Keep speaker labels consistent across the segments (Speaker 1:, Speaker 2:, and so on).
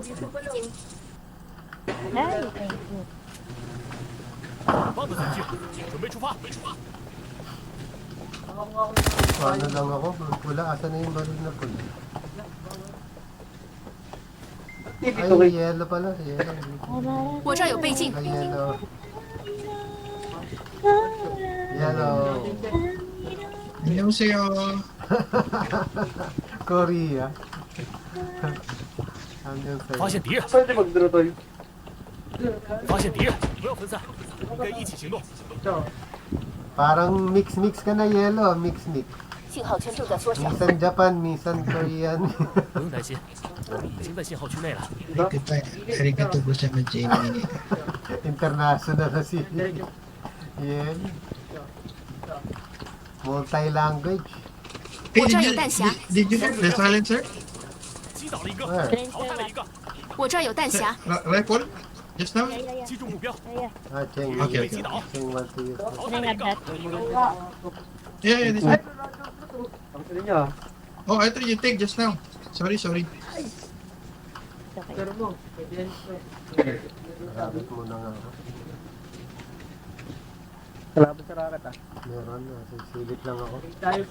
Speaker 1: Ay, thank you.
Speaker 2: 棒子准备出发。
Speaker 3: Paano lang ako? Pula, asan na yung baril na pula? Ay, yellow pala. Yellow.
Speaker 4: 我这儿有倍镜，
Speaker 3: Ay, yellow. Yellow.
Speaker 5: 안녕하세요.
Speaker 3: Korea. Hanggang
Speaker 2: 发
Speaker 3: sa'yo.
Speaker 2: 现敌人，
Speaker 6: Pwede mag-draw tayo.
Speaker 2: 发现敌人，不要分散，应该一起行动。
Speaker 3: Parang mix-mix ka na, yellow. Mix-mix.
Speaker 4: 信号圈正在缩小。
Speaker 3: Minsan Japan, minsan Korean.
Speaker 2: 不用担心，我们已经在信号区内了。
Speaker 5: Arigato gozaimasu, Jamie.
Speaker 3: International na si Yen. Multi-language.
Speaker 5: Hey,
Speaker 4: 我这儿有弹匣，
Speaker 5: did you get the silencer?
Speaker 2: 击倒了一个，
Speaker 3: Where?
Speaker 2: 淘汰了一个，
Speaker 4: 我这儿有弹匣，
Speaker 5: Rifle? Just now?
Speaker 1: Yeah.
Speaker 2: 击中目标，
Speaker 3: Ah, Cheng.
Speaker 5: Okay, okay.
Speaker 3: Cheng want to use it.
Speaker 2: 淘
Speaker 1: Can
Speaker 2: 汰
Speaker 1: I
Speaker 2: 了一
Speaker 1: have
Speaker 2: 个，
Speaker 1: that?
Speaker 5: Yeah, this one.
Speaker 6: Ang sila niya.
Speaker 5: Oh, I thought you take just now. Sorry.
Speaker 1: It's okay.
Speaker 6: Pero mo.
Speaker 3: Marabit muna nga ako.
Speaker 6: Kalaban sa rakat ah.
Speaker 3: Meron na. Sisilip lang ako.
Speaker 6: Tayo.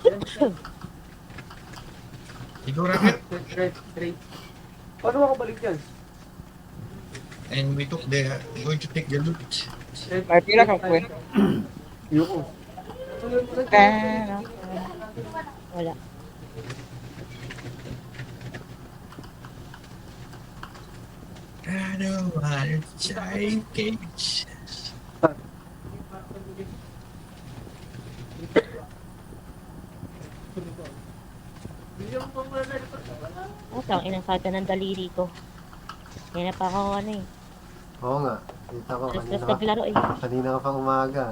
Speaker 5: You go rocket,
Speaker 6: Straight. Paano ako balik yan?
Speaker 5: and we took the going to take the loot.
Speaker 6: May pila kang kwen. Yuko.
Speaker 1: Wala.
Speaker 5: I don't want to try cage.
Speaker 1: Oh, tang inang saga ng daliri ko. Kaya na pa ako ano eh.
Speaker 3: Oo nga. Kita ko
Speaker 1: Alas-alas
Speaker 3: kanina ka,
Speaker 1: naglaro eh.
Speaker 3: kanina ka pang umaga.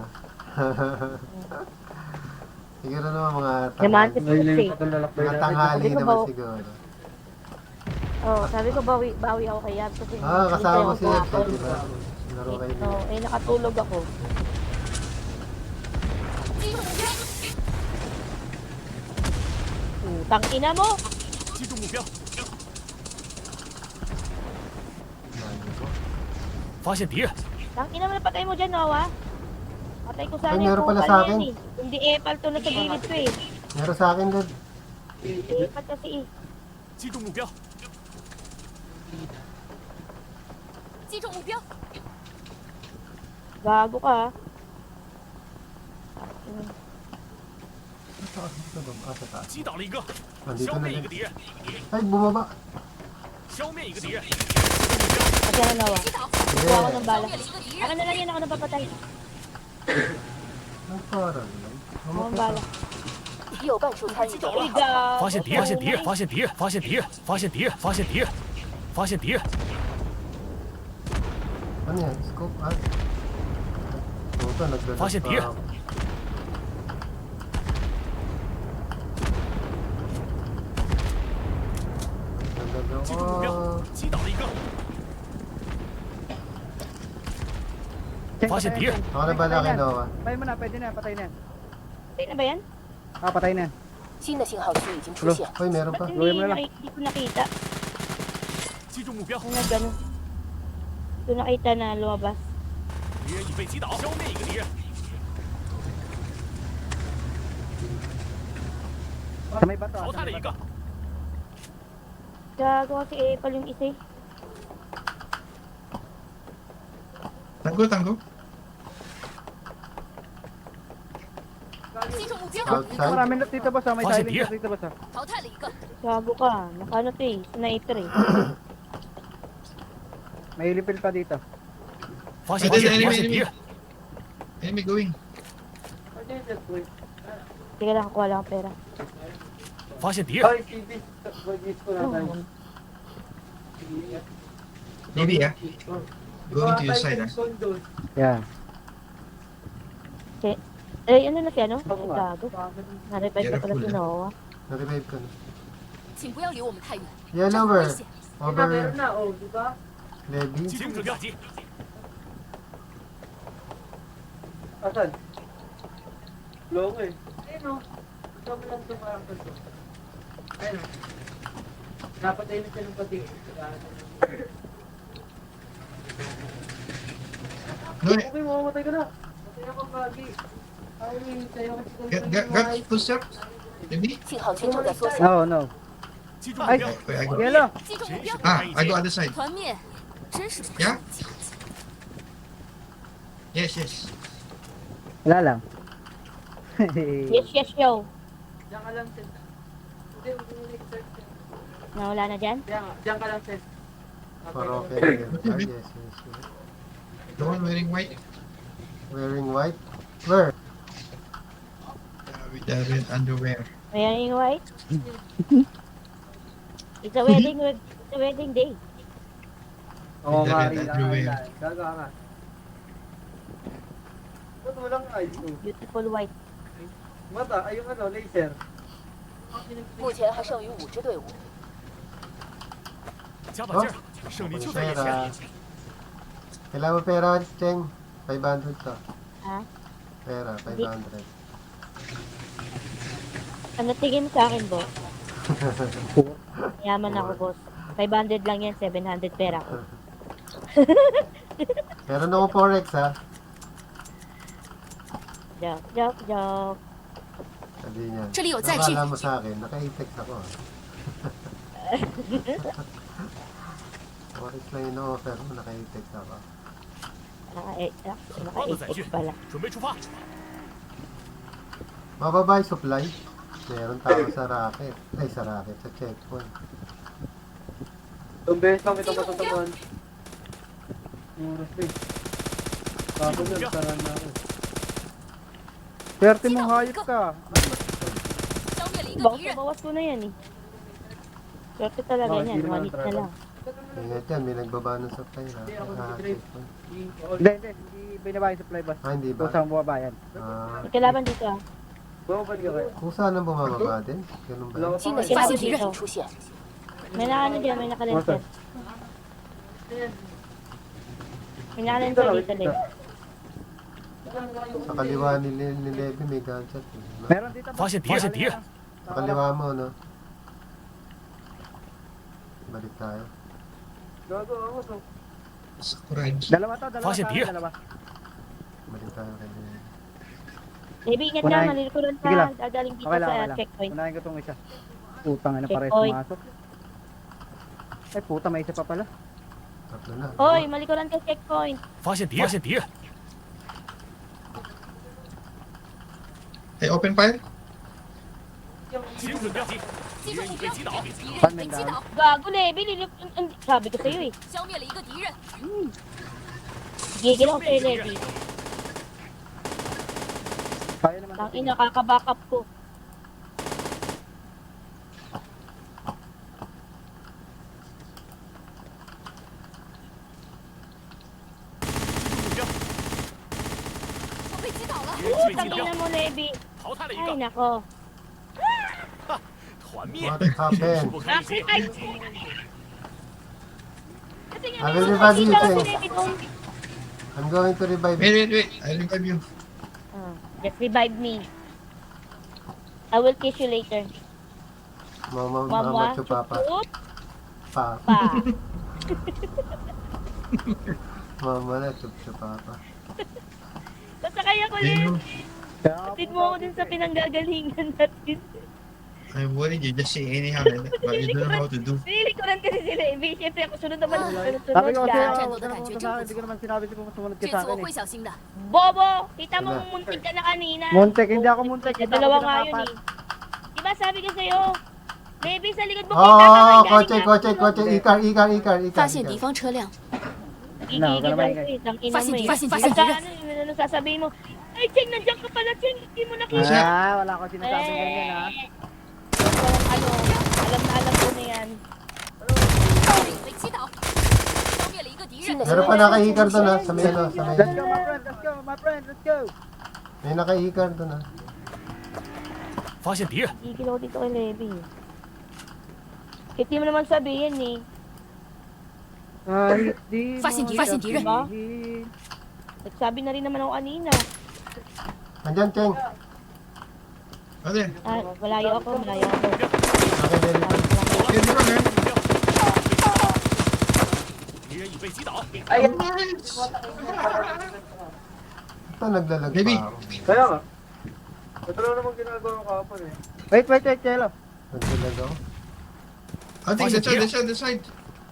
Speaker 3: Siguro naman mga
Speaker 1: Naman si
Speaker 3: tanghali,
Speaker 1: Pusi.
Speaker 3: mga tanghali
Speaker 1: Sabi ko
Speaker 3: naman
Speaker 1: ba-
Speaker 3: siguro.
Speaker 1: Oh, sabi ko bawi ako kay Yab kasi
Speaker 3: Ah, kasama mo si Ed,
Speaker 1: hapon.
Speaker 3: di ba? Laro kayo
Speaker 1: No,
Speaker 3: niya.
Speaker 1: eh nakatulog ako. Tang ina mo!
Speaker 2: 击中目标，
Speaker 3: Mali ko.
Speaker 2: 发现敌人，
Speaker 1: Tang ina mo na patay mo dyan, Noah. Patay ko sana
Speaker 3: Ay, meron pala
Speaker 1: kupal
Speaker 3: sa
Speaker 1: na
Speaker 3: akin.
Speaker 1: yan eh. Hindi epal to na sa gilid ko eh.
Speaker 3: Meron sa akin doon.
Speaker 1: Epal kasi eh.
Speaker 2: 击中目标，
Speaker 4: 击中目标，
Speaker 1: Gago ka ah.
Speaker 3: Ito ba? Ah, sa taas.
Speaker 2: 击倒了一个，
Speaker 3: Nandito
Speaker 2: 消
Speaker 3: na
Speaker 2: 灭一
Speaker 3: din.
Speaker 2: 个敌人，
Speaker 3: Ay, bumaba.
Speaker 2: 消灭一个敌人，
Speaker 1: Kasi ano, Noah.
Speaker 4: 击倒，
Speaker 1: Kuha ako ng
Speaker 4: 消
Speaker 1: bala.
Speaker 4: 灭了一个敌
Speaker 1: Ako
Speaker 4: 人，
Speaker 1: na lang yan, ako napapatay.
Speaker 3: Ang parang lang.
Speaker 1: Ako ang bala.
Speaker 4: 有半数参与者被
Speaker 1: Ikaw!
Speaker 2: 发现敌人，发现敌人，发现敌人，发现敌人，发现敌人，发现敌人，发现敌人，
Speaker 3: Ano yan? Scope? Ah. Puta, nagdalag
Speaker 2: Fase
Speaker 3: pa
Speaker 2: tier.
Speaker 3: ako. Nagdalag
Speaker 2: 击中目标
Speaker 3: ako.，
Speaker 2: 击倒了一个，发现敌人，
Speaker 3: Ako na bala kay Noah.
Speaker 6: Patay mo na, pwede na, patay na.
Speaker 1: Patay na ba yan?
Speaker 6: Ah, patay na.
Speaker 4: 新的信号区已经出现，
Speaker 3: Uy, meron pa.
Speaker 1: Ba't
Speaker 6: Gawin mo na lang.
Speaker 1: hindi ko nakita?
Speaker 2: 击中目标，
Speaker 1: Ano gano'n? Hindi ko nakita na lumabas.
Speaker 2: 敌人已被击倒，消灭一个敌人，
Speaker 6: Sa may bato.
Speaker 2: 淘汰了一个，
Speaker 1: Gago kasi epal yung isa eh.
Speaker 5: Tango.
Speaker 4: 击中目标，
Speaker 3: Outside.
Speaker 6: Marami na dito boss, ah. May
Speaker 2: Fase
Speaker 6: silent
Speaker 2: tier.
Speaker 6: dito boss. Ah.
Speaker 4: 淘汰了一个，
Speaker 1: Gago ka. Nakano to eh. Sniper eh.
Speaker 6: May lipil pa dito.
Speaker 2: 发现敌人，发现敌人，
Speaker 5: Enemy going.
Speaker 1: Teka lang, kuha lang ang pera.
Speaker 2: 发现敌人，
Speaker 1: Oh,
Speaker 5: Maybe, yeah. Going to your side, ah.
Speaker 6: Yeah.
Speaker 1: eh, ano na siya, no? Ay, gago. Na-revive pa pala si Noah.
Speaker 3: Na-revive ko na.
Speaker 4: 请不要离我们太远，
Speaker 3: Yellow
Speaker 4: 危
Speaker 3: over.
Speaker 4: 险。
Speaker 3: Over. Levy.
Speaker 2: 击中目标击，
Speaker 6: Asan? Long eh. Ayun o. Ito mo lang ito parang ito. Ayun o.
Speaker 5: No, got footsteps? Maybe?
Speaker 4: 信号圈正在缩小，
Speaker 6: No, no.
Speaker 2: 击中目
Speaker 6: Ay,
Speaker 2: 标，
Speaker 5: Wait, I go.
Speaker 6: yellow.
Speaker 4: 击中目标，
Speaker 5: I go other side.
Speaker 4: 团灭，真是不
Speaker 5: Yeah?
Speaker 4: 上进。
Speaker 5: Yes, yes.
Speaker 6: Wala lang.
Speaker 1: Yes, yes, yo. Nawala na dyan?
Speaker 3: For okay. Yes, yes, yes.
Speaker 5: The one wearing white?
Speaker 3: Wearing white? Where?
Speaker 5: With the red underwear.
Speaker 1: Wearing white? It's a wedding day.
Speaker 6: Oo
Speaker 5: Hindi,
Speaker 6: nga,
Speaker 5: hindi,
Speaker 6: ila.
Speaker 5: everywhere.
Speaker 6: Gagawa nga. Ba't walang eyes?
Speaker 1: Beautiful white.
Speaker 6: Mata, ay yung ano, laser.
Speaker 4: 目前还剩余5支队伍，
Speaker 2: 加把劲儿，胜利就在眼前。
Speaker 3: Pera. Kailangan mo pera, Cheng. 500 to.
Speaker 1: Ha?
Speaker 3: Pera, 500.
Speaker 1: Ano tingin mo sa akin, boss? Yaman ako, boss. 500 lang yan, 700 pera ko.
Speaker 3: Meron ako forex, ha?
Speaker 1: Joke, joke, joke.
Speaker 3: Sabi niya.
Speaker 4: 这里有载具
Speaker 3: Nakala mo sa akin, naka-tex ako. Forex lang yung offer mo, naka-tex ako.
Speaker 2: 好的载具
Speaker 1: Naka-8X pala.
Speaker 2: 准备出发。
Speaker 3: Mababa yung supply. Meron tao sa racket. Ay, sa racket, sa checkpoint.
Speaker 6: Tumbes lang ito matataman. Oras eh. Bago yan, saran na ako. Swerte mong hayop ka.
Speaker 4: 消灭了一个
Speaker 1: Bawas
Speaker 4: 敌
Speaker 1: na
Speaker 4: 人，
Speaker 1: bawas ko na yan eh. Swerte talaga
Speaker 6: Oh,
Speaker 1: yan,
Speaker 6: hindi naman
Speaker 1: 1 hit na lang.
Speaker 3: Ingat yan, may nagbaba ng supply na. Checkpoint.
Speaker 6: Hindi, hindi binaba yung supply boss.
Speaker 3: Ah, hindi ba?
Speaker 6: Kung saan bumaba yan.
Speaker 3: Ah,
Speaker 1: May kalaban dito ah.
Speaker 6: Bumaba ka kayo.
Speaker 3: kung saan ang bumababa din? Ganun ba? yun?
Speaker 4: 新的发现敌人已出现，
Speaker 1: May nakaano dyan, may nakalenser. May nakalenser dito din.
Speaker 3: Sa kaliwa ni Levi may gunshot. Eh.
Speaker 6: Meron dito
Speaker 2: 发现敌人，敌人，
Speaker 3: Sa kaliwa mo, no? Balik tayo.
Speaker 6: Gago ako to.
Speaker 5: Sakurai.
Speaker 6: Dalawa to, dalawa.
Speaker 2: Fast and
Speaker 6: sa akin,
Speaker 2: dear.
Speaker 6: dalawa.
Speaker 3: Balik tayo kay Levi.
Speaker 1: Maybe ingat
Speaker 6: Unahin.
Speaker 1: na, malilikuran
Speaker 6: Sige lang.
Speaker 1: ka. Dadaling dito
Speaker 6: Okay lang, okay
Speaker 1: sa
Speaker 6: lang.
Speaker 1: checkpoint.
Speaker 6: Unahin ko tong isa. Putang ina, pares
Speaker 1: Checkpoint.
Speaker 6: pumasok. Ay puta, may isa pa pala.
Speaker 3: Tatlo na.
Speaker 1: Hoy, malikuran ka checkpoint.
Speaker 2: 发现敌人，发现敌人，
Speaker 5: Hey, open fire?
Speaker 2: 击中目标，敌
Speaker 4: 击中目标，
Speaker 2: 人已被击倒。
Speaker 4: 敌人
Speaker 6: Pan
Speaker 4: 已被
Speaker 6: man
Speaker 4: 击
Speaker 6: down.
Speaker 4: 倒，
Speaker 1: Gago, Levi. Sabi ko sa'yo eh.
Speaker 4: 消灭了一个敌人，
Speaker 1: Gigil ako sa'yo, Levi.
Speaker 6: Kaya naman.
Speaker 1: Tangin, nakaka-backup ko.
Speaker 4: 我被击倒了，
Speaker 2: 敌人已被击
Speaker 1: Tangin
Speaker 2: 标
Speaker 1: na，mo, Levi.
Speaker 2: 淘汰了一
Speaker 1: Ay,
Speaker 2: 个，
Speaker 1: nako.
Speaker 2: 团灭，
Speaker 3: What
Speaker 2: 真是
Speaker 3: happened?
Speaker 2: 不可理
Speaker 1: Ay,
Speaker 2: 解。
Speaker 1: Kasi nga,
Speaker 3: I
Speaker 1: may
Speaker 3: will
Speaker 1: mga
Speaker 3: revive you,
Speaker 1: nakita ko
Speaker 3: Cheng.
Speaker 1: si Levi doon.
Speaker 3: I'm going to revive you.
Speaker 5: Wait. I revive you.
Speaker 1: Just revive me. I will kiss you later.
Speaker 3: Mama,
Speaker 1: Mama,
Speaker 3: mama, to papa.
Speaker 1: chup,
Speaker 3: Pa.
Speaker 1: pa.
Speaker 3: Mama na, to papa.
Speaker 1: Sasakay ako,
Speaker 5: Hey,
Speaker 1: Levi.
Speaker 5: no.
Speaker 1: Atid mo ako dun sa pinanggagalingan natin.
Speaker 5: I'm worried you just say anyhow, but you don't know how to do.
Speaker 1: Nililikuran kasi si Levi. Siyempre ako sunod naman.
Speaker 6: Sabi
Speaker 1: Sunod
Speaker 6: ko kasi,
Speaker 1: ka.
Speaker 4: 战斗的
Speaker 6: huwag ka
Speaker 4: 感觉
Speaker 6: naman
Speaker 4: 真
Speaker 6: sa akin.
Speaker 4: 不
Speaker 6: Hindi ko
Speaker 4: 错，
Speaker 6: naman sinabi ko sumunod ka
Speaker 4: 这
Speaker 6: sa
Speaker 4: 次我
Speaker 6: akin
Speaker 4: 会
Speaker 6: eh.
Speaker 4: 小心的。
Speaker 1: Bobo! Kita mo
Speaker 3: Wala.
Speaker 1: muntik ka na kanina.
Speaker 6: Muntik, hindi ako muntik. Hindi ako
Speaker 1: Dalawa nga yun
Speaker 6: pinakapat.
Speaker 1: eh. Diba sabi ko sa'yo? Levi, sa likod mo
Speaker 3: Oh,
Speaker 1: kita ka.
Speaker 3: kotse. Ikar.
Speaker 4: 发现敌方车辆，
Speaker 1: Gigigil ako eh. Tangina mo eh.
Speaker 4: Fasin,
Speaker 1: At saka ano sasabihin mo? Ay, Cheng, nandiyan ka pala, Cheng. Hindi mo nakita.
Speaker 6: Ah, wala ko sinasabing ganyan ha.
Speaker 1: Walang ano, alam ko na yan.
Speaker 4: 被击倒，消灭了一个敌人，
Speaker 3: Meron pa naka-ikar doon ha, sa may ano, sa may...
Speaker 6: Let's go my friend, let's go.
Speaker 3: May naka-ikar doon ha.
Speaker 2: 发现敌人，
Speaker 1: Gigil ako dito kay Levi. Hindi mo naman sabihin eh.
Speaker 6: Kahit di mo
Speaker 4: 发现敌人，
Speaker 6: sabihin.
Speaker 1: Nagsabi na rin naman ako kanina.
Speaker 3: Andyan, Cheng.
Speaker 5: Ano yan?
Speaker 1: Ah, malayo ako.
Speaker 3: Okay, Levi.
Speaker 5: Here, di ba, man?
Speaker 2: 已被击倒。
Speaker 6: Ayan!
Speaker 3: Ito, naglalag
Speaker 5: Baby.
Speaker 3: pa ako.
Speaker 6: Kaya nga. Ito lang naman ginagawa ko kapon eh.
Speaker 7: Wait, Chelo.
Speaker 3: Naglalag ako.
Speaker 5: Ating, the side.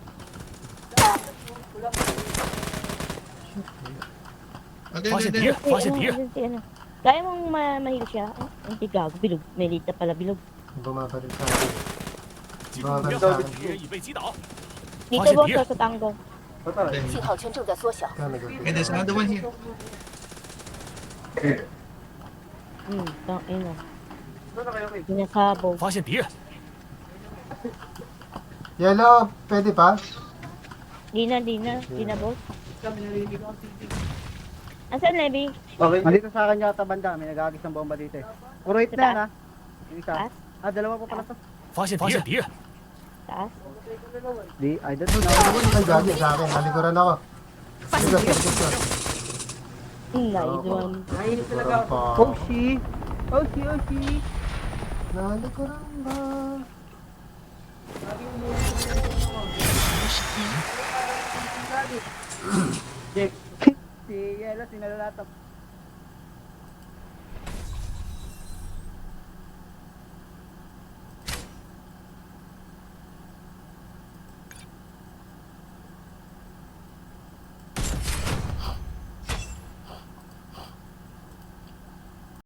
Speaker 2: 发现敌人，
Speaker 1: Si,
Speaker 2: 发现敌人，
Speaker 1: si ano. Kaya mong mahil siya. Hindi gago, bilog. May lead na pala, bilog.
Speaker 3: Bumabaril sa akin.
Speaker 2: 击中目标，敌人已被击倒。
Speaker 1: Dito
Speaker 2: Bakit
Speaker 1: boss,
Speaker 2: di-
Speaker 1: sa tango.
Speaker 6: Patay.
Speaker 4: 信号圈正在缩小，
Speaker 3: Kaya
Speaker 5: And there's another one here.
Speaker 1: Ina.
Speaker 6: Saan na kayo, Kate?
Speaker 1: Pinasabog.
Speaker 2: 发现敌人，
Speaker 3: Yellow, pwede pa?
Speaker 1: Di na, boss. Asan, Levi?
Speaker 6: Okay.
Speaker 7: Nandito sa akin yata banda. May nagagis ng bomba dito eh. Puro hit na yan ha. Yung isa.
Speaker 1: Taas?
Speaker 7: Dalawa pa pala to.
Speaker 2: 发现敌人，
Speaker 1: Taas?
Speaker 7: Di, I don't know.
Speaker 3: Ay, gagi sa akin. Nalikuran ako. Sige, sige, sige.
Speaker 1: Nice one.
Speaker 3: Nalikuran pa.
Speaker 7: Oshi! Oshi!
Speaker 3: Nalikuran ba?
Speaker 7: Si Yelo, sinalalatap.